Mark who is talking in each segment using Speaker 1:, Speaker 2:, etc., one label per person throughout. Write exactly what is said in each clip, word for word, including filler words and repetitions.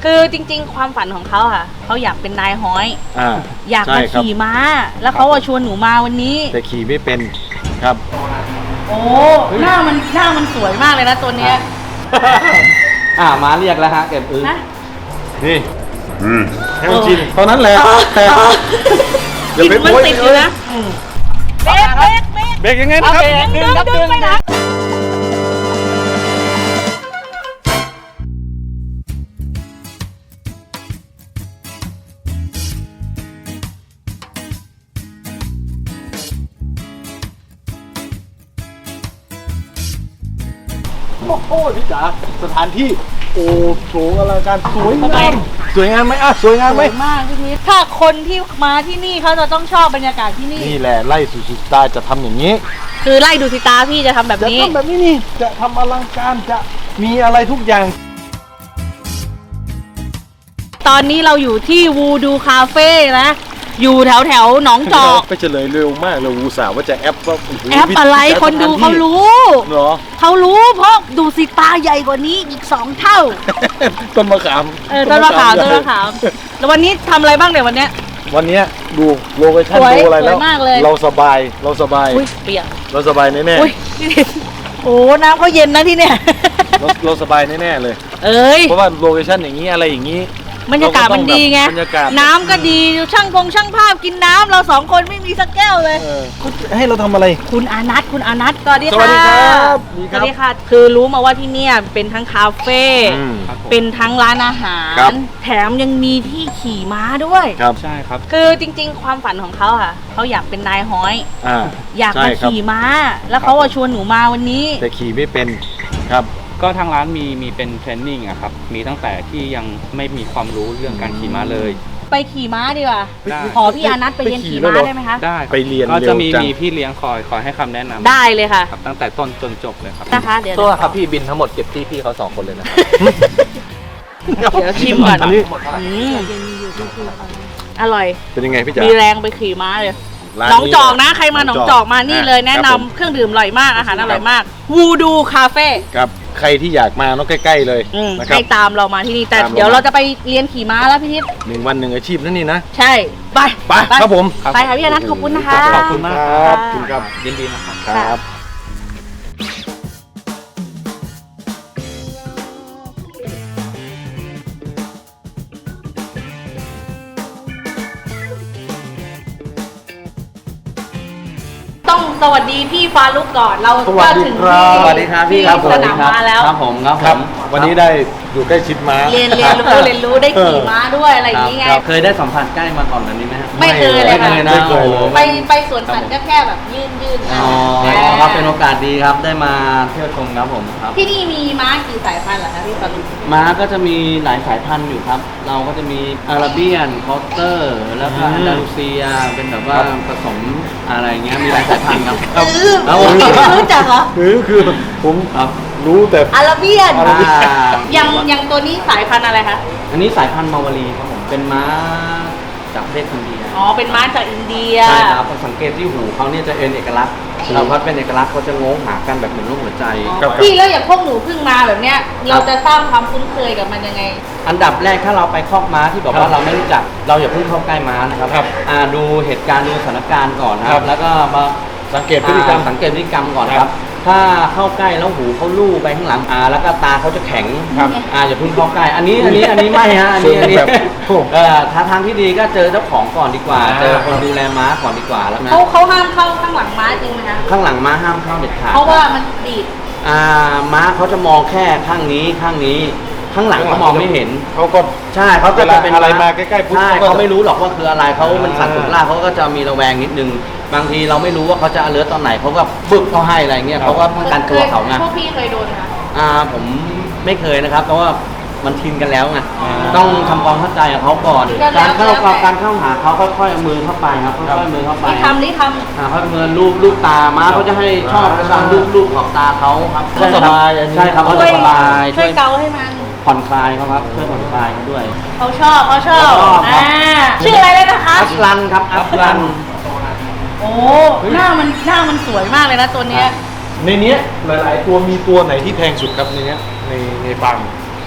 Speaker 1: คือจริงๆความฝันของเขาค่ะเขาอยากเป็นนายฮ้อย
Speaker 2: อ่า
Speaker 1: อยากมาขี่ม้าแล้วเขาชวนหนูมาวันนี้
Speaker 2: แต่ขี่ไม่เป็นครับ
Speaker 1: โอ้หน้ามันหน้ามันสวยมากเลยนะตัวเนี้ย
Speaker 3: อ่ามาเรียกแล้วฮะเก็บอึ
Speaker 1: นะ
Speaker 2: นี่ให้มันชินเท่านั้นแหละแต่
Speaker 1: อย่าไปมันติดอยู่นะเบรกเบรกเบรก
Speaker 2: เบรกยังไงนะครับ
Speaker 1: ดึงดึงไปนะ
Speaker 2: โอ้โหพี่จ๋าสถานที่โอ้โหอลังการสวยงามสวยงามไหมอ่ะสวยงามไหม
Speaker 1: สวยมากพี่พีทถ้าคนที่มาที่นี่เขาจะต้องชอบบรรยากาศที่นี่
Speaker 2: นี่แหละไล่สุดตาจะทำอย่างนี้
Speaker 1: คือไล่ดูสิตาพี่จะทำแบบนี้
Speaker 2: จะทำแบบนี้นี่จะทำอลังการจะมีอะไรทุกอย่าง
Speaker 1: ตอนนี้เราอยู่ที่วูดูคาเฟ่นะอยู่แถวแถวหนองจอก
Speaker 2: ไปเฉลยเร็วมากเลยวูสาวว่าจะแอปว่า
Speaker 1: แอปอะไรคนดูเขารู้
Speaker 2: เหรอ
Speaker 1: เขารู้เพราะดูสิตาใหญ่กว่านี้อีกสองเท่า
Speaker 2: ต้นมะขาม
Speaker 1: เออต้นมะขามต้นมะขามแล้ววันนี้ทำอะไรบ้างเดี๋ยววันเนี้ย
Speaker 2: วันนี้ดูโลเคชั่นดูอะไรแล้วเราสบายเราสบาย
Speaker 1: อุ้ยเปียก
Speaker 2: เราสบายแน่
Speaker 1: ๆโอ้น้ำเขาเย็นนะที่เนี่ย
Speaker 2: เราเราสบายแน่ๆเลย
Speaker 1: เอ้ย
Speaker 2: เพราะว่าโลเคชั่นอย่างนี้อะไรอย่างนี้
Speaker 1: บรรยากาศมันดีไงน้ำก็ดีช่างพงช่างภาพกินน้ำเราสองคนไม่มีสักแก้วเลย
Speaker 2: ให้เราทำอะไร
Speaker 1: คุณอานัทคุณอานัทสวัสดีค่ะ
Speaker 2: สวัสดีครับ
Speaker 1: สวัสดีค่ะคือรู้มาว่าที่นี่เป็นทั้งคาเฟ่เป็นทั้งร้านอาหารแถมยังมีที่ขี่ม้าด้วย
Speaker 2: ครับใช่ครับ
Speaker 1: คือจริงๆความฝันของเขาค่ะเขาอยากเป็นนายฮ้อย
Speaker 2: อ่า
Speaker 1: อยากมาขี่ม้าแล้วเขาชวนหนูมาวันนี้
Speaker 2: แต่ขี่ไม่เป็นครับ
Speaker 3: ก็ทางร้านมีมีเป็นเทรนนิ่งอะครับมีตั้งแต่ที่ยังไม่มีความรู้เรื่องการขี่ม้าเลย
Speaker 1: ไปขี่ม้าดีกว่าขอพี่อานัทไปเรียนขี่ม้าได้ไหมคะ
Speaker 3: ได้
Speaker 2: ไปเรียน
Speaker 3: ก็จะมีมีพี่เลี้ยงคอยคอยให้คำแนะนำ
Speaker 1: ได้เลยค่ะ
Speaker 3: ตั้งแต่ต้นจนจบเลยครับ
Speaker 1: นะคะเดี๋ยว
Speaker 3: ตัวครับพี่บินทั้งหมดเก็บที่พี่เขาสองคนเลยนะ
Speaker 1: เดี๋ยวชิมก่อนอร่อย
Speaker 2: เป็นยังไงพี่จ๋า
Speaker 1: มีแรงไปขี่ม้าเลยหนองจอกนะใครมาหนองจอกมานี่เลยแนะนำเครื่องดื่มอร่อยมากอาหารอร่อยมากวูดูคาเฟ่
Speaker 2: ครับใครที่อยากมาเนาะใกล้ๆเลย
Speaker 1: ให้ตามเรามาที่นี่แต่เดี๋ยวเราจะไปเรียนขี่ม้าแล้วพี่ทิพย์
Speaker 2: หนึ่งวันหนึ่งอาชีพนั่นนี่นะ
Speaker 1: ใช่ไป
Speaker 2: ไปครับผม
Speaker 1: ไปค่ะพี่อนัทขอบคุณนะคะ
Speaker 3: ขอบคุณมาก
Speaker 2: ครับขอบคุณครับ
Speaker 3: ยินดีนะครับ
Speaker 2: ครับ
Speaker 1: ต้องสวัสดีพี่ฟาลุกก่อนเรา
Speaker 2: ก็
Speaker 1: ถึง
Speaker 2: ที่
Speaker 3: สวัสดีครับพี่ครับ
Speaker 1: สนามม้าแล้ว
Speaker 3: ครับผมครับ
Speaker 2: ผมวันนี้ได้อยู่ใกล้ชิดม้า
Speaker 1: เรียนเรียนรู้เรียนรู้ได้ขี่ม้าด้วยอะไรอย่างนี้ไง
Speaker 3: เคยได้สัมผัสใกล้มาก่อนแบบนี้ไหม
Speaker 1: ไม่เคยเลยค่ะ
Speaker 2: ไม่เคย
Speaker 1: ไปไปสวนสัตว์ก็แค่แบบยื่นยื่น
Speaker 3: อ๋อครับเป็นโอกาสดีครับได้มาเที่ยวชมครับผมครับ
Speaker 1: ที่นี่มีม้ากี่สายพันธุ์เหรอคะพี่ฟาลุก
Speaker 3: ม้าก็จะมีหลายสายพันธุ์อยู่ครับเราก็จะมีอาราเบียนคอสเตอร์แล้วก็อันดาลูเซียเป็นแบบว่าผสมอะไรเงี้ยมีหลายสายพันธุ์ครับ
Speaker 1: เรารู้จักเหรอ
Speaker 2: คือคือผม
Speaker 3: ครับ
Speaker 2: รู้แต่
Speaker 1: อาราเบียนยังยังตัวนี้สายพันธุ์อะไรคะ
Speaker 3: อันนี้สายพันธุ์มาวารีครับผมเป็นม้าจากประเทศอินเดีย
Speaker 1: อ๋อเป็นม้าจากอินเดีย
Speaker 3: ใช่ครับสังเกตที่หูเขาเนี่ยจะเป็นเอกลักษณ์เราพัดเป็นเอกลักษณ์เขาจะงงหากันแบบเหมือนลูกหัวใจ
Speaker 1: พี่แล้วอย่างพวกหนูเพิ่งมาแบบเนี้ยเราจะสร้างความคุ้นเคยกับมันยังไง
Speaker 3: อันดับแรกถ้าเราไปคอกม้าที่บอกว่าเราไม่รู้จักเราอย่าเพิ่งเข้าใกล้ม้านะครับดูเหตุการณ์ดูสถานการณ์ก่อนนะครับแล้วก็มา
Speaker 2: สังเกตพฤติกรรม
Speaker 3: สังเกตพฤติกรรมก่อนครับถ้าเข้าใกล้แล้วหูเขาลู่ไปข้างหลังอ่าแล้วก็ตาเขาจะแข็งครับอ่าอย่าพึ่งเข้าใกล้อันนี้อันนี้อันนี้ไม่ฮะอันนี้อันนี้เอ่อถ้าทางที่ดีก็เจอเจ้าของก่อนดีกว่าเจอคนดูแลม้าก่อนดีกว่าแล้วนะ
Speaker 1: เขาเขาห้ามเข้าข้างหลังม้าจริงไหมคะ
Speaker 3: ข้างหลังม้าห้ามเข้าเด็ดขาด
Speaker 1: เพราะว่ามันดีด
Speaker 3: อ่าม้าเขาจะมองแค่ข้างนี้ข้างนี้ข้างหลังเขามองไม่เห็น
Speaker 2: เขาก็
Speaker 3: ใช่เขาจะเป็น
Speaker 2: อะไรมาใกล้ๆปุ๊บ
Speaker 3: เขาไม่รู้หรอกว่าคืออะไรเขามันสั่นสุดล่าเขาก็จะมีระแวงนิดนึงบางทีเราไม่รู้ว่าเขาจะเลือตอนไหนเขาก็บึกเขาให้อะไรเงี้ยเขาก็ป้องกันตัวเขาไง
Speaker 1: พวกพี่เคยโดนไหม
Speaker 3: อ่าผมไม่เคยนะครับเพราะว่ามันชินกันแล้วไงต้องทำความเข้าใจกับเขาก่อนการเข้าการเข้าหาเขาค่อยๆเอามือเข้าไปครับค่อยๆมือเข้าไป
Speaker 1: นี่ทำนี่ท
Speaker 3: ำอ่าค่อยๆมือลูบลูบตาม้าเขาจะให้ชอบการลูบลูบขอบตาเขาครับ
Speaker 2: สบาย
Speaker 3: ใช่ครับเขาจะสบาย
Speaker 1: ช่วยเกาให้มัน
Speaker 3: ผ่อนคลายเขาครับช่วยผ่อนคลายเขาด้วย
Speaker 1: เขาชอบเขาชอบอ่าชื่ออะไรเลยนะคะ
Speaker 3: อัสลันครับอัสลัน
Speaker 1: โอ้หน้ามันหน้ามันสวยมากเลยนะตัวเนี้ย
Speaker 2: ในนี้หลายๆตัวมีตัวไหนที่แพงสุดครับในนี้ในในฟาร์ม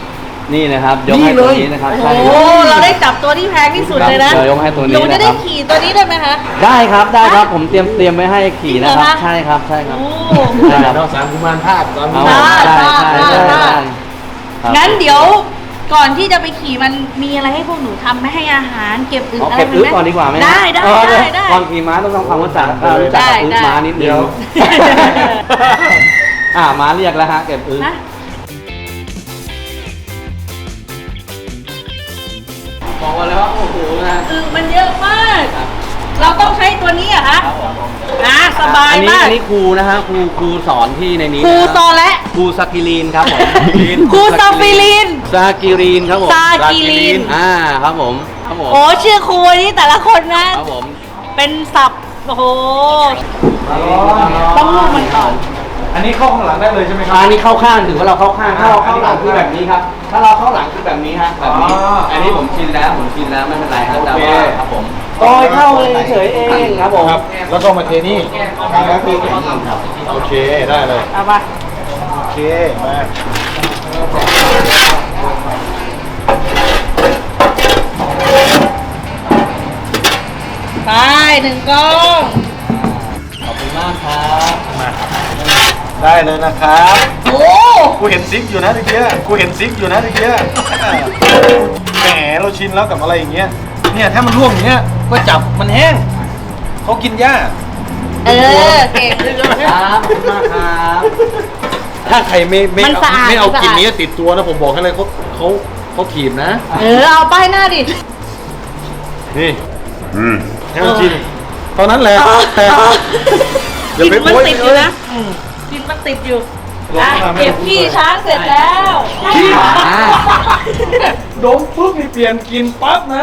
Speaker 3: นี่นะครับยกให้ตัวนี้นะครับ
Speaker 1: โอ้
Speaker 3: ใช่
Speaker 1: โหเราได้จับตัวที่แพงที่สุดเลยนะ
Speaker 3: เดี๋ยวยกให้ตัวนี้
Speaker 1: หนูจะได้
Speaker 3: นะครับ
Speaker 1: ขี่ตัวนี้ได้ไหมคะ
Speaker 3: ได้ครับได้ครับผมเตรียมเตรียมไว้ให้ขี่นะครับ
Speaker 1: จริงเหรอคะ
Speaker 3: ใช่ครับใช่ครับ
Speaker 1: โอ้
Speaker 3: ใช่ครับ
Speaker 2: นอกสามกุมารธาตุตอน
Speaker 3: เอา
Speaker 2: นี้
Speaker 3: ใช่
Speaker 1: ได้
Speaker 3: ใช่
Speaker 1: ได้
Speaker 3: ใช่
Speaker 1: ได้
Speaker 3: ใช่ครับ
Speaker 1: งั้นเดี๋ยวก่อนที่จะไปขี่มันมีอะไรให้พวกหนูทำไหม่ให้อาหารเก็บอึ
Speaker 3: เอา
Speaker 1: อะไร
Speaker 3: เก็บ
Speaker 1: ไหม
Speaker 3: อึก่อนดีกว่าไหม
Speaker 1: ได้ได้
Speaker 3: เออ
Speaker 1: ได้ได้
Speaker 3: ก่อนขี่ม้าต้องทำความรู้จักอ่ารู้จักกับอึ
Speaker 1: ได้
Speaker 3: ม้านิดเดียวอ่าม้าเรียกแล้วฮะเก็บอึ
Speaker 1: นะ
Speaker 3: บอกว่าแล้วว่าโอ้โหนะ
Speaker 1: อึมันเยอะมาก เราต้องใช้ตัวนี้เหรอะคะอ่ะสบาย
Speaker 3: อันนี้
Speaker 1: มาก
Speaker 3: อันนี้ครูนะฮะครูครูสอนที่ในนี้
Speaker 1: ครู
Speaker 3: นะ
Speaker 1: ซอและ
Speaker 3: ครูซากิลีนครับผม
Speaker 1: ครูซาฟิลิน
Speaker 3: ซากิลีนครับผม
Speaker 1: ซากิลีน
Speaker 3: อ่าครับผมครับผม
Speaker 1: โอ้ชื่อครูนี่แต่ละคนนะ
Speaker 3: ครับผม
Speaker 1: เป็นศัพท์โอ้โห ต้องลูกมันก่อน
Speaker 2: อันนี้เข้าข้างหลังได้เลยใช่ไหมครั
Speaker 3: อันนี้เข้าข้างถือว่าเราเข้าข้างถ้าเราเข้าหลังคือแบบนี้ครับ ถ้าเราเข้าหลังคือแบบนี้ฮะแบบนี้
Speaker 2: อ๋ออั
Speaker 3: อันนี้ผมชินแล้วผมชินแล้วไม่เป็นไรครับแต่
Speaker 2: โอเค
Speaker 3: ว่าครับผมโอยเข้าเลยเฉยเองครับผม
Speaker 2: ครับ แล้วก็มาเทนี่ครับโอเคได้เลย
Speaker 1: เอาปะ
Speaker 2: โอเคมา
Speaker 1: ไปหนึ่งกล้อง
Speaker 3: ขอบคุณมากครับ
Speaker 2: มาได้เลยนะครับ
Speaker 1: โอ้
Speaker 2: กูเห็นซิกอยู่นะตะเกียกูเห็นซิกอยู่นะตะเกียแหมเราชินแล้วกับอะไรอย่างเงี้ยเนี่ยถ้ามันร่วงอย่างเงี้ยก็จับมันแห้งเขากินหญ้า
Speaker 1: เออเก่ง
Speaker 3: ครับขอบคุณมากครับ
Speaker 2: ถ้าใครไม่ไม่
Speaker 1: มัน
Speaker 2: เอา
Speaker 1: สะอาด
Speaker 2: ไม่เอา
Speaker 1: มันสะอาด
Speaker 2: กลิ่นนี้ติดตัวนะผมบอกให้เลยเขาเขาเขาถีบนะ
Speaker 1: เออเอาป้ายหน้าดิ
Speaker 2: นี่ให้มันชินตอนนั้นแหละแต่
Speaker 1: กลิ่นมันติดอยู่นะกลิ่นมันติดอยู่อ่ะเก็บขี้ช้างเสร็จแล้ว
Speaker 2: ขี้ดมปุ๊บนี่เปลี่ยนกินปั๊บนะ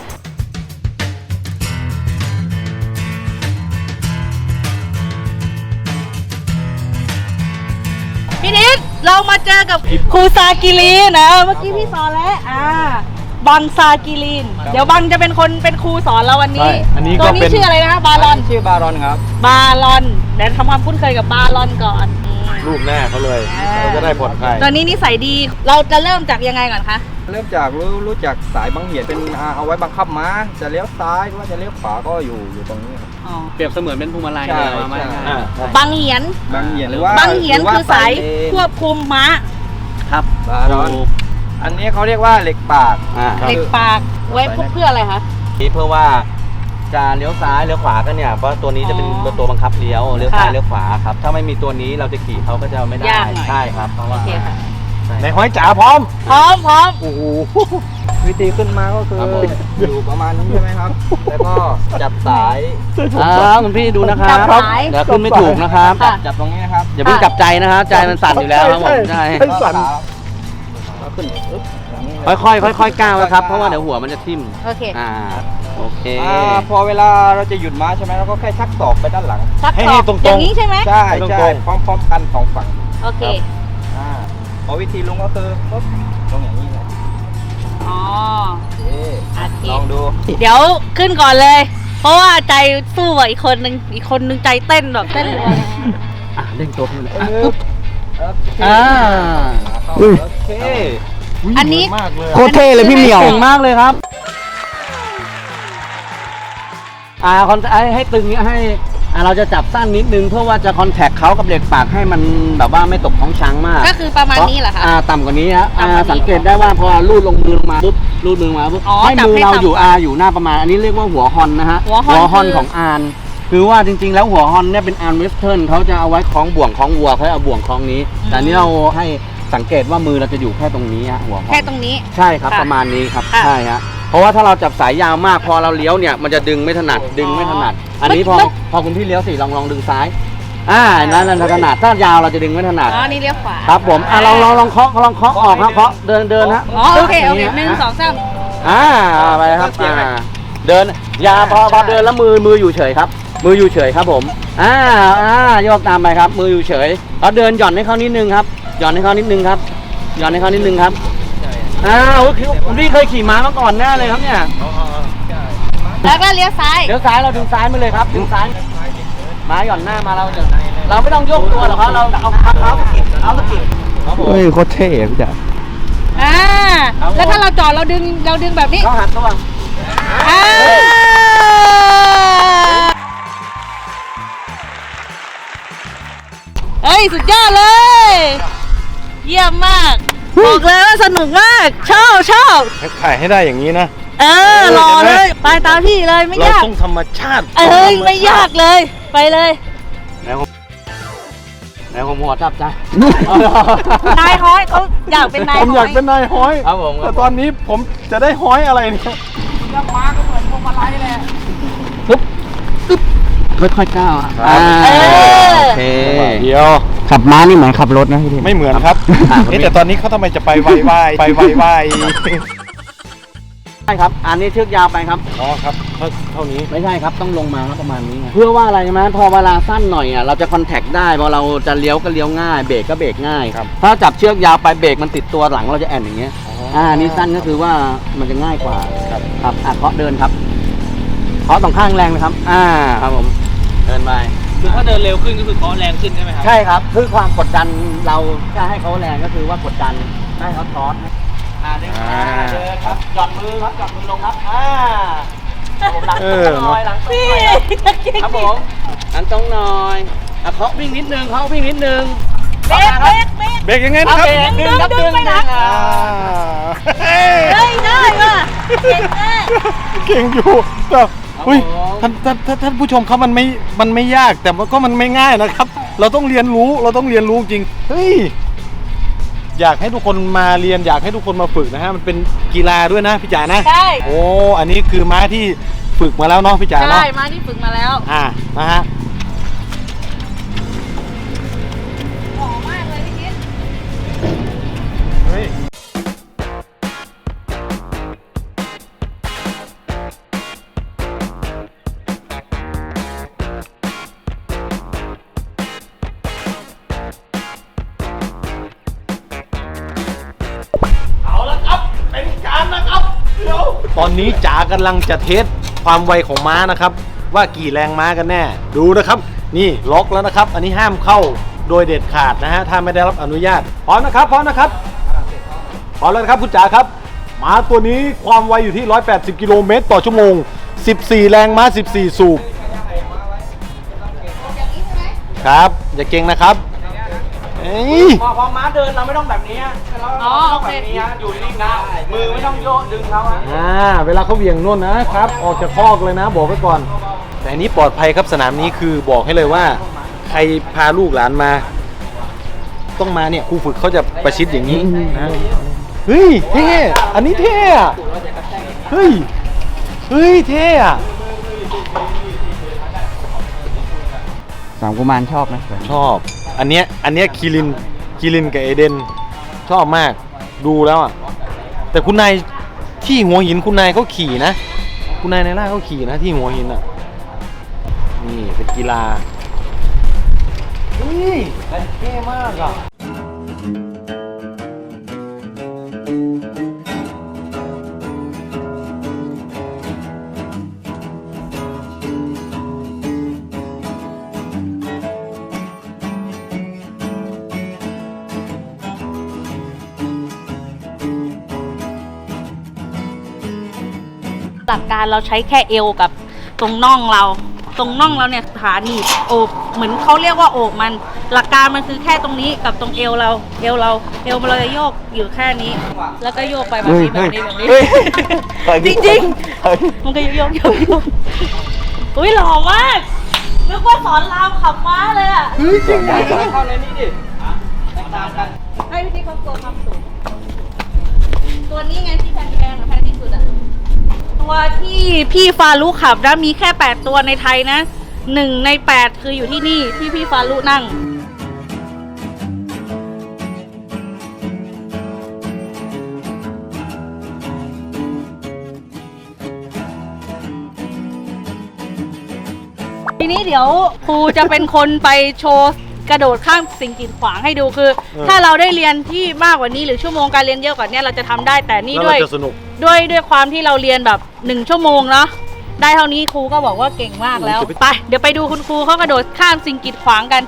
Speaker 1: พี่นิดเรามาเจอกับครูซากิลีนนะเมื่อกี้พี่สอนแล้วอ่าบังซากิลีน เดี๋ยวบังจะเป็นคนเป็นครูสอนเราวันนี้
Speaker 2: ใช่อันนี้ก็
Speaker 1: ตัวนี้
Speaker 2: เป็น
Speaker 1: ชื่ออะไรนะบารอน
Speaker 3: ชื่อบารอนครับ
Speaker 1: บารอนเดี๋ยวทำความคุ้นเคยกับบารอนก่อนอืม
Speaker 2: รูปหน้าเขาเลย
Speaker 1: อ่า
Speaker 2: เราจะได้ผ่อนคลาย
Speaker 1: ตัวนี้นิสัยดีเราจะเริ่มจากยังไงก่อนคะ
Speaker 4: เริ่มจากรู้รู้จักสายบังเหียนเป็นอ่าเอาไว้บังคับม้าจะเลี้ยวซ้ายหรือว่าจะเลี้ยวขวาก็อยู่อยู่ตรงนี้ครับ
Speaker 1: อ๋อ
Speaker 3: เปรียบเสมือนเป็นพวงมาลัย
Speaker 4: ใช่
Speaker 3: เลยว่าไม่
Speaker 4: ใช่
Speaker 3: อ่า
Speaker 1: บังเหียน
Speaker 4: บังเหียนหรือว่า
Speaker 1: บังเหียน
Speaker 4: หรืว่า
Speaker 1: คือสาย
Speaker 4: เลน
Speaker 1: ควบคุมม้า
Speaker 3: ครับ
Speaker 4: บารอน อันนี้เขาเรียกว่าเหล็กปาก
Speaker 3: อ่า
Speaker 4: ครับ
Speaker 1: เหล็กปากไว้เพื่ออะไรคะ
Speaker 3: นี่เพื่อว่าจะเลี้ยวซ้ายเลี้ยวขวากันเนี่ยเพราะตัวนี้จะเป็น
Speaker 1: อ๋อ
Speaker 3: ตัวบังคับเลี้ยวเลี้ยวซ้าย
Speaker 1: ค่ะ
Speaker 3: เลี้ยวขวาครับถ้าไม่มีตัวนี้เราจะขี่เขาก็จะไม่ได้
Speaker 1: ยากหน่อย
Speaker 3: ใช่ครับเพราะว่า
Speaker 1: โอเคค่ะ
Speaker 3: ใช่
Speaker 2: ในห้อยจ๋าพร้อม
Speaker 1: พร้อมพร้อม
Speaker 2: โอ้โห
Speaker 4: วิธีขึ้นมาก็คือ
Speaker 3: ครับผม
Speaker 4: อยู่ประมาณนี้ใช่ไหมครับ แล้วก็จับสาย
Speaker 3: อ่าคุณพี่ดูนะครับ
Speaker 1: จับสาย
Speaker 3: เดี๋ยวขึ้นไม่ถูกนะครับ
Speaker 1: ค่ะ
Speaker 4: จับตรงนี้นะครับ
Speaker 3: อย่าเพิ่งจับใจนะครับใจมันสั่นอยู่แล้วครับผมใช่
Speaker 2: ให้สั่น
Speaker 4: ก็ขึ้นปึ๊บอย่างนี้
Speaker 3: ค่อยๆค่อยๆก้าวนะครับเพราะว่าเดี๋ยวหัวมันจะทิ่ม
Speaker 1: โอเค
Speaker 3: อ่าโอเค
Speaker 4: อ่าพอเวลาเราจะหยุดม้าใช่ไหมเราก็แค่ชักศอกไปด้านหลัง
Speaker 1: ชัก
Speaker 2: ให้
Speaker 1: ศ
Speaker 2: ให้
Speaker 1: อก
Speaker 2: ตรงๆ
Speaker 1: อย่างนี้ใช่ไหม
Speaker 4: ใช่
Speaker 2: ตรงๆ
Speaker 4: ใช่พร้อมๆกันสองฝั่ง
Speaker 1: โอเค
Speaker 4: อ่าพอวิธีลงก็คือปุ๊บลงอย่างนี้เลย
Speaker 1: อ๋อ
Speaker 4: โอเค
Speaker 1: โอเค
Speaker 4: ลองดู
Speaker 1: เดี๋ยวขึ้นก่อนเลย เพราะว่าใจสู้กับอีกคนนึงอีกคนนึงใจเต้นแบบเต้นรัว
Speaker 3: อ่ะเด้งตัวขึ้นเลย
Speaker 4: เอ
Speaker 3: อ่ะ
Speaker 4: อโอเค
Speaker 3: อ่า
Speaker 4: เข้าโอเค
Speaker 1: อันนี้
Speaker 2: มากเลย
Speaker 3: โคตรเท่เลยพี่เหมียวเก่งมากเลยครับอ่าคอนให้ให้ตึงเนี้ยให้อ่าเราจะจับสั้นนิดนึงเพื่อว่าจะคอนแทคเขากับเหล็กปากให้มันแบบว่าไม่ตกท้องช้างมาก
Speaker 1: ก็คือประมาณนี้เหรอคะ
Speaker 3: อ่าต่ำกว่านี้ฮะอ่า
Speaker 1: ต่ำกว่านี้
Speaker 3: สังเกตได้ว่าพอลูดลงมือลงมาปุ๊บลูดมือมาปุ๊บ
Speaker 1: อ๋อ
Speaker 3: ให้
Speaker 1: จับ
Speaker 3: มือ
Speaker 1: ให้
Speaker 3: เรา
Speaker 1: ต่ำ
Speaker 3: อยู่
Speaker 1: กว่า
Speaker 3: อาอยู่หน้าประมาณอันนี้เรียกว่าหัวฮอนนะฮะ
Speaker 1: หัวฮอน
Speaker 3: ฮอน
Speaker 1: คือ
Speaker 3: ของอานคือว่าจริงๆแล้วหัวฮอนเนี่ยเป็นอานเวสเทิร์นเขาจะเอาไว้คล้องบ่วงคล้องวัวเขาเอาบ่วงคล้องนี้ แต่อันนี้เราให้สังเกตว่ามือเราจะอยู่แค่ตรงนี้ฮะหัวฮอน
Speaker 1: แค่ตรงนี้
Speaker 3: ใช่ครับ
Speaker 1: ค่ะ
Speaker 3: ประมาณนี้ครับ
Speaker 1: ค่ะ
Speaker 3: ใช่ฮะเพราะว่าถ้าเราจับสายยาวมากพอเราเลี้ยวเนี่ยมันจะดึงไม่ถนัดดึงไม่ถนัด อันนี้พอ
Speaker 1: มัน
Speaker 3: พอคุณพี่เลี้ยวสิลองลองดึงซ้ายอ่านั่นนั่นถนัดถ้ายาวเราจะดึงไม่ถนัด
Speaker 1: อ๋อ นี่เลี้ยวขวา
Speaker 3: ครับผมอ่ะลองลองลองเคาะลองเคาะออกครับเคาะเดินเดินฮะ
Speaker 1: อ๋อ โอเค โอเคหนึ่งสองสาม
Speaker 3: อ่าไปครับอ่าเดินอยาพอพอเดินแล้วมือมืออยู่เฉยครับ มืออยู่เฉยครับผมอ่าอ่าโยกตามไปครับ มืออยู่เฉยแล้วเดินหย่อนให้เขานิดนึงครับหย่อนให้เขานิดนึงครับหย่อนให้เขานิดนึงครับอ้าวคุณพี่เคยขี่ม้ามาก่อนแน่เลยครับเนี่ย
Speaker 1: แล้วก็เลี้ยวซ้าย
Speaker 3: เดี๋ยวซ้ายเราดึงซ้ายมาเลยครับดึงซ้ายม้าหย่อนหน้ามาเราจะเราไม่ต้องยกตัวหรอกครับเราเอาเท้าสะกิดเท้าสะกิดครับผม
Speaker 4: เฮ้ยโคตรเท่พี่จ๋า
Speaker 1: อ่าแล้วถ้าเราจอดเราดึงเราดึงแบบนี้
Speaker 3: เขาหันตัว
Speaker 1: อ่าเฮ้ยสุดยอดเลย เยี่ยมมากบอกเลยว่าสนุกมากชอบชอบ
Speaker 2: ถ่ายให้ได้อย่างนี้นะ
Speaker 1: เออรอเลยไปตามพี่เลยไม่
Speaker 2: เรา
Speaker 1: ยาก
Speaker 2: ต้องธรรมชาติ
Speaker 1: เอ้ยไม่ยากเลยไปเลย
Speaker 3: แล้วผมแล้วผมหัวจับใจ
Speaker 1: นายฮ้อยเขาอยากเป็นนาย
Speaker 2: ผม
Speaker 1: ฮ้
Speaker 2: อยากเป็นนายห้อย
Speaker 3: ครับผม
Speaker 2: แต่ตอนนี้ผมจะได้ห้อยอะไรเนี่ย
Speaker 3: ค่อยๆก้าวอ่ะ
Speaker 2: ครับ
Speaker 3: อ่า
Speaker 1: เออ
Speaker 3: โอเค
Speaker 2: เดียว
Speaker 3: ขับม้านี่เหมือนขับรถนะพี่
Speaker 2: ไม่เหมือนครับ
Speaker 3: อ่า
Speaker 2: เอ๊ะแต่ตอนนี้เขาทำไมจะไปไวไวไปไวไว
Speaker 3: ใช่ครับ อันนี้เชือกยาวไปครับ
Speaker 2: อ๋อครับเท่าเท่านี้
Speaker 3: ไม่ใช่ครับต้องลงมาครับประมาณนี้ไงเพื่อว่าอะไรใช่ไหมพอเวลาสั้นหน่อยอ่ะเราจะคอนแทคได้พอเราจะเลี้ยวก็เลี้ยวง่ายเบรกก็เบรกง่าย
Speaker 2: ครับ
Speaker 3: ถ้าจับเชือกยาวไปเบรกมันติดตัวหลังเราจะแอนอย่างเงี้ยอ่านี่สั้นก็คือว่ามันจะง่ายกว่า
Speaker 2: ครับ
Speaker 3: ครับอ่ะเคาะเดินครับเคาะตรงข้างแรงเลยครับอ่าครับผมเดินไป
Speaker 5: คือถ้าเดินเร็วขึ้นก็คือเคาะแรงขึ้นใช่ไหมครับ
Speaker 3: ใช่ครับคือความกดดันเราจะให้เขาแรงก็คือว่ากดดันให้เขาทอสอ่าเดิน
Speaker 2: อ่า
Speaker 3: เดินครับหย่อนมือครับหย่อนมือลงครับอ่าหลัง
Speaker 2: เอ
Speaker 3: ตรง
Speaker 2: อ
Speaker 3: หน่อยหลังตรง
Speaker 1: พี่
Speaker 3: หน่อยครับผมหลังตรงหน่อยอ่ะเคาะวิ่งนิดนึงเคาะวิ่งนิดนึง
Speaker 1: เบรกเบรกเบรก
Speaker 2: เบรกยังไง
Speaker 3: เอา
Speaker 2: นะครับ
Speaker 3: เบรกดึงครับ
Speaker 1: ดึ
Speaker 3: ดึ
Speaker 1: ง
Speaker 3: ง
Speaker 1: ไปนะ
Speaker 3: อ่า
Speaker 2: อ่า
Speaker 1: เฮ้ยได้ว่ะเก่งมาก
Speaker 2: เก่งอยู่แต่อุ้ยท่านท่านท่านท่านผู้ชมครับมันไม่มันไม่ยากแต่มันก็มันไม่ง่ายนะครับ เราต้องเรียนรู้เราต้องเรียนรู้จริงเฮ้ยอยากให้ทุกคนมาเรียนอยากให้ทุกคนมาฝึกนะฮะมันเป็นกีฬาด้วยนะพี่จ๋านะ
Speaker 1: ใช่
Speaker 2: โอ้อันนี้คือม้าที่ฝึกมาแล้วเนาะพี่จ๋าเนาะ
Speaker 1: ใช่มาที่ฝึกมาแล้ว
Speaker 2: อ่านะฮะ
Speaker 1: หอมมากเลยพี่คิด
Speaker 2: เฮ้ยเอาละครับเป็นการนะครับเดี๋ยวตอนนี้จ๋ากำลังจะเทสความไวของม้านะครับ ว่ากี่แรงม้ากันแน่ ดูนะครับ นี่ล็อกแล้วนะครับ อันนี้ห้ามเข้าโดยเด็ดขาดนะฮะถ้าไม่ได้รับอนุญาตพร้อมนะครับพร้อมนะครับพร้อมแล้วนะครับคุณจ๋าครับม้าตัวนี้ความไวอยู่ที่หนึ่งร้อยแปดสิบกิโลเมตรต่อชั่วโมงสิบสี่แรงม้าสิบสี่สูบครับอย่าเก่งนะครับเอ้ย
Speaker 3: พอพอม้าเดินเราไม่ต้องแบบนี้เรา
Speaker 1: อ๋อ
Speaker 3: ต้อง
Speaker 1: โอ
Speaker 3: แบ
Speaker 1: เค
Speaker 3: บนี้ฮะอยู่นิ่งๆนะมือไม่ต้องโยกดึงเขาฮะ
Speaker 2: อ่าเวลาเขาเหวี่ยงน่นนะครับ ออกจากคอกเลยนะบอกไว้ก่อน แต่อันนี้ปลอดภัยครับสนามนี้คือบอกให้เลยว่า ใครพาลูกหลานมา ต้องมาเนี่ยครูฝึกเขาจะประชิดอย่างนี้นะเฮ้ยเท่อันนี้เท่อะเฮ้ยเฮ้ยเท่อะ
Speaker 3: สามกุมารชอบไหม
Speaker 2: ชอบ อันเนี้ยอันเนี้ยคิรินคิรินกับเอเดนชอบมากดูแล้วอ่ะแต่คุณนายที่หัวหินคุณนายเขาขี่นะ คุณนายในล่าเขาขี่นะที่หัวหินอ่ะนี่เป็นกีฬาเฮ้ยเท่มากอ่ะ
Speaker 1: หลักการเราใช้แค่เอวกับตรงน่องเรา ตรงน่องเราเนี่ยขาหนีบโอบเหมือนเขาเรียกว่าโอบมัน หลักการมันคือแค่ตรงนี้กับตรงเอวเราเอวเราเอวเราจะโยกอยู่แค่นี้ แล้วก็โยกไปแบบนี้แบบนี้แบบนี้
Speaker 2: เฮ้ย
Speaker 1: จริงๆมันก็โยกโยกโยกโยกอุ้ยหล่อมากนึกว่าสอนรามขับม้าเลยอ่ะ
Speaker 2: เฮ้ยจริงจัง
Speaker 3: เข้าในนี้ดิแตกต่างกัน
Speaker 1: ให้พี่ที่เขาตัวความสูงตัวนี้ไงที่แพงๆอะแพงที่สุดอะตัวที่พี่ฟารุขับนะมีแค่แปดตัวในไทยนะหนึ่งในแปดคืออยู่ที่นี่ที่พี่ฟารุนั่งทีนี้เดี๋ยวครูจะเป็นคนไปโชว์กระโดดข้ามสิ่งกีดขวางให้ดูคือ ถ้าเราได้เรียนที่มากกว่านี้หรือชั่วโมงการเรียนเยอะกว่านี้เราจะทำได้แต่นี่
Speaker 2: แล้ว
Speaker 1: ด้วย
Speaker 2: เราจะสนุก
Speaker 1: ด้วยด้วยความที่เราเรียนแบบหนึ่งชั่วโมงเนาะได้เท่านี้ครูก็บอกว่าเก่งมากแล้วไปเดี๋ยวไปดูคุณครูเขากระโดดข้ามสิ่งกีดขวางกัน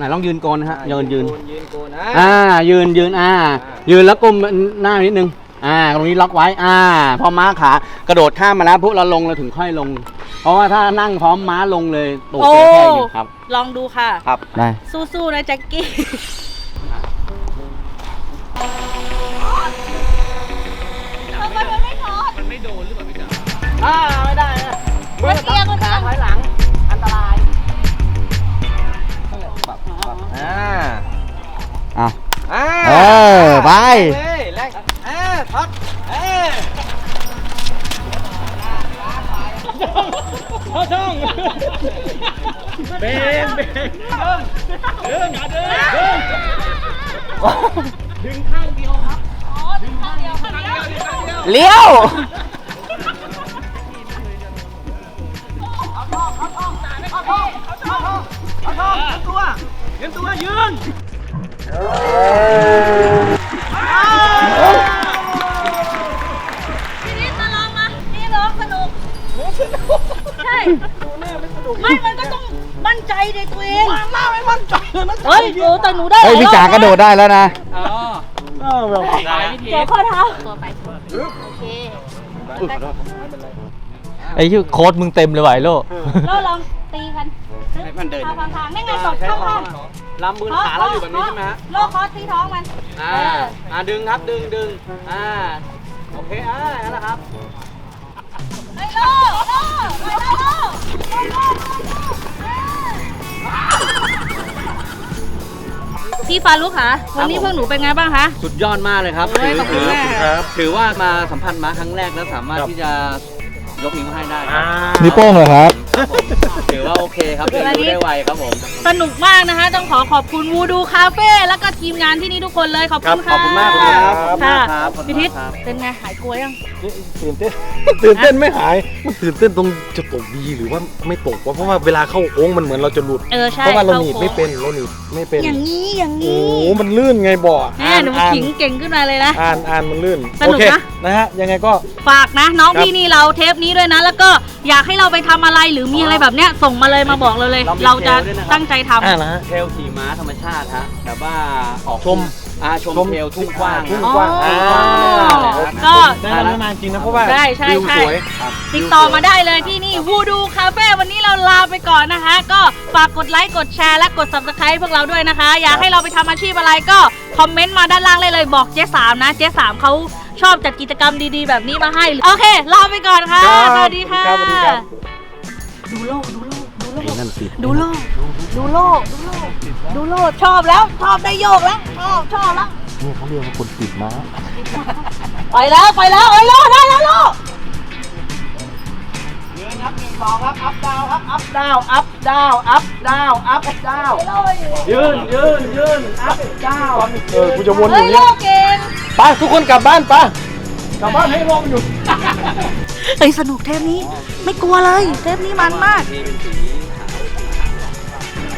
Speaker 3: ไหนลองยืนโกนนะฮะยืนยืน
Speaker 4: ยืนโกนนะ
Speaker 3: อ่ายืนยืนอ่ายืนแล้วก้มหน้านิดนึงอ่าตรงนี้ล็อกไว้อ่าพอม้าขากระโดดข้ามมาแล้วพวกเราลงเราถึงค่อยลง เพราะว่าถ้านั่งพร้อมม้าลงเลยตูด
Speaker 1: โอ้
Speaker 3: จะแค่นี้ครับ
Speaker 1: ลองดูค่ะ
Speaker 3: ครับได้
Speaker 1: สู้ๆนะแจ็คกี้
Speaker 5: มันไม่โดนหรือเปล่าพี่จ๋า
Speaker 3: อ่าไม่ได้นะ
Speaker 1: เมื่อกี้ก็
Speaker 3: ขาถอยหลังอันตราย
Speaker 4: อ่า
Speaker 3: อ่ะ
Speaker 4: อ่า
Speaker 3: เออไป
Speaker 4: เลยแรงอ่าพัดเอ้ย
Speaker 5: พ่อช่องเบนเบนเดินเดินเดินเดินดึงข้างเดียวครับดึงข้างเดียวข้างเดียวข้างเดียว
Speaker 3: เลี้ยว
Speaker 5: เตรียมตัวยืน
Speaker 1: พี่นิดมาลองมานี่ร้องสนุกใช่ไม่ มันก็ต้องมั่นใจในตัวเองหน้าไม่มั่นใจเลยนะเฮ้ยโอ้แต่หนูได้
Speaker 3: เฮ้ยพี่จ๋ากระโดดได้แล้วนะ
Speaker 5: อ๋อได้พี่ที
Speaker 1: เดี๋ยวข้อเท้าตัวไปโอเค
Speaker 5: ไอ้ชื่อโค้ดมึงเต็มเลยว่ะไอ้โล
Speaker 1: แล้วลองตีกัน
Speaker 3: ให้มันเดิน
Speaker 1: เอาทางๆนี่ไงตบข้าง
Speaker 3: ลำมือขาเราอยู่แบบนี้ใช่ไหมฮะ
Speaker 1: โลคอสที่ท้องมัน
Speaker 3: อ่า อ่าดึงครับดึงดึงอ่า โอเค อ่านั่นแหละครับ
Speaker 1: ไอ้โลโลไปโลพี่ฟารุกค่ะวันนี้พวกหนูเป็นไงบ้างคะ
Speaker 3: สุดยอดมากเลยครับ
Speaker 1: โอ้ยขอบคุณมาก
Speaker 2: ครับ
Speaker 3: ถือว่ามาสัมผัสม้าครั้งแรกแล้วสามารถ
Speaker 2: ครับ
Speaker 3: ที่จะยกนิ้วให้ได้ครับ
Speaker 2: นิ้วโป้งเหรอครับ
Speaker 3: ครับผมถือว่าโอเคครับเรียนรู้ได้ไวครับผม
Speaker 1: สนุกมากนะคะ ต้องขอขอบคุณวูดูคาเฟ่แล้วก็ทีมงานที่นี่ทุกคนเลยขอบคุณ
Speaker 3: ครับ
Speaker 1: ค่ะ
Speaker 3: ขอบคุณมากครับ
Speaker 1: ค่ะ
Speaker 3: ขอบคุณมากครับ
Speaker 1: พี่ทิศ
Speaker 3: ขอบคุณมากครับ
Speaker 1: เป็นไงหายกลัวยัง
Speaker 2: ตื่นเต้น ตื่นเต้นไม่หาย มันตื่นเต้นตรงจะตกดีหรือว่าไม่ตกวะเพราะว่าเวลาเข้าโค้งมันเหมือนเราจะหลุด
Speaker 1: เออใช่
Speaker 2: เพราะว่าเราหนีบ
Speaker 1: ข้
Speaker 2: ไม่
Speaker 1: โค้ง
Speaker 2: เป็นเราหนีบไม่เป็น
Speaker 1: อย่างนี้อย่าง
Speaker 2: โอ้
Speaker 1: นี้
Speaker 2: โหมันลื่นไงบ่อ
Speaker 1: แม่หนู
Speaker 2: อ่าน
Speaker 1: ขิงเก่งขึ้นมาเลยนะ
Speaker 2: อ่านอ่านมันลื่น
Speaker 1: สนุก
Speaker 2: โอเค
Speaker 1: นะ
Speaker 2: นะฮะยังไงก็
Speaker 1: ฝากนะ น้อง
Speaker 2: ครับ
Speaker 1: พี่นี่เราเทปนี้ด้วยนะ แล้วก็อยากให้เราไปทำอะไรหรือมีอะไรแบบเนี้ยส่งมาเลยมาบอกเราเลย
Speaker 3: เรามี
Speaker 1: เราจะ
Speaker 3: เทรลด้วยนะครับ
Speaker 1: ตั้งใจทำ
Speaker 2: อ่านะฮะ
Speaker 3: เทลขี่ม้าธรรมชาติฮะแบบว่าออก
Speaker 2: ชม
Speaker 3: อ่าชม
Speaker 2: ชม
Speaker 3: เทลทุ่งกว้าง
Speaker 2: ทุ่ง
Speaker 1: อ๋อ
Speaker 2: กว้างอ่า
Speaker 1: ก็
Speaker 2: ได้แล้วนานจริงนะเพราะว่า
Speaker 1: ใช่ใช่
Speaker 2: วิว
Speaker 1: ใช่
Speaker 2: สวย
Speaker 1: ติดต่อมาได้เลยที่นี่วูดูคาเฟ่วันนี้เราลาไปก่อนนะคะ ก็ฝากกดไลค์กดแชร์และกด ซับสไครบ์ พวกเราด้วยนะคะ อยากให้เราไปทำอาชีพอะไรก็คอมเมนต์มาด้านล่างเลยเลยบอกเจ๊สามนะเจ๊สามเขาชอบจัดกิจกรรมดีๆ แบบนี้มาให้ โอเคลาไปก่อนค่ะ
Speaker 2: ครับ
Speaker 1: สวัสดีค่ะ
Speaker 2: ครับสวัสดีครับ
Speaker 1: ดูโลกดูโลกดูโลก
Speaker 2: ไอ้นั่นติด
Speaker 1: ดูโลกดูโลกดูโลกดูโลกชอบแล้วชอบได้โยกแล้วชอบชอบแล้ว
Speaker 2: นี่เขาเรียกว่าคนติดม้า
Speaker 1: ไปแล้วไปแล้วไอ้โลได้แล้วโล
Speaker 3: ยืนครับหนึ่งสองครับอัพดาวครับอัพดาวอัพดาวอัพดาวอัพดาวยืนยืนยืนอัพดาว
Speaker 2: เออกูจะวนอ
Speaker 1: เฮ้
Speaker 2: ยู่
Speaker 1: ยโล
Speaker 2: นี่
Speaker 1: กเก่ง
Speaker 2: ไปทุกคนกลับบ้านไปกลับบ้านให้ลมอยู่
Speaker 1: เฮ้ยสนุกเทปนี้ไม่กลัวเลยเทปนี้มันมาก
Speaker 3: นี่เป็นสีขาว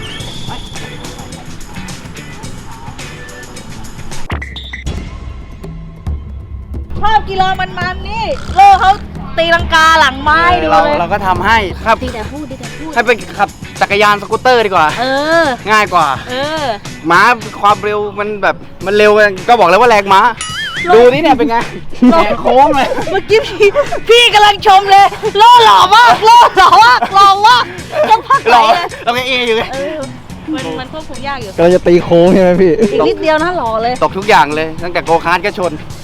Speaker 1: ชอบกีฬามันๆนี่โลกเขาตีลังกาหลังไม้ดู
Speaker 6: เรา
Speaker 1: เลย
Speaker 6: เราก็ทำให้ครับ
Speaker 1: ดีแต่พูดดีแต่พูด
Speaker 6: ให้เป็นขับจักรยานสกูตเตอร์ดีกว่า
Speaker 1: เออ
Speaker 6: ง่ายกว่า
Speaker 1: เออ
Speaker 6: ม้าความเร็วมันแบบมันเร็วก็บอกแล้วว่าแรงม้า
Speaker 1: ลง
Speaker 6: ดูนี่เนี่ยเป็นไงแหกโค้งเลย
Speaker 1: เมื่อกี้พี่พี่กำลังชมเลยโลหล่อมากโลหล่อมากหล่อมากจังพักไห
Speaker 6: ร
Speaker 1: น
Speaker 6: อ
Speaker 1: เลย
Speaker 6: เราแกเออยู่ไง
Speaker 1: เออมันมันควบคุมยากอยู่
Speaker 2: กำลังจะตีโค้งใช่ไหมพี่
Speaker 1: อีกนิดเดียวนะหล่อเลย
Speaker 6: ตกทุกอย่างเลยตั้งแต่โกคาร์ทก็ชน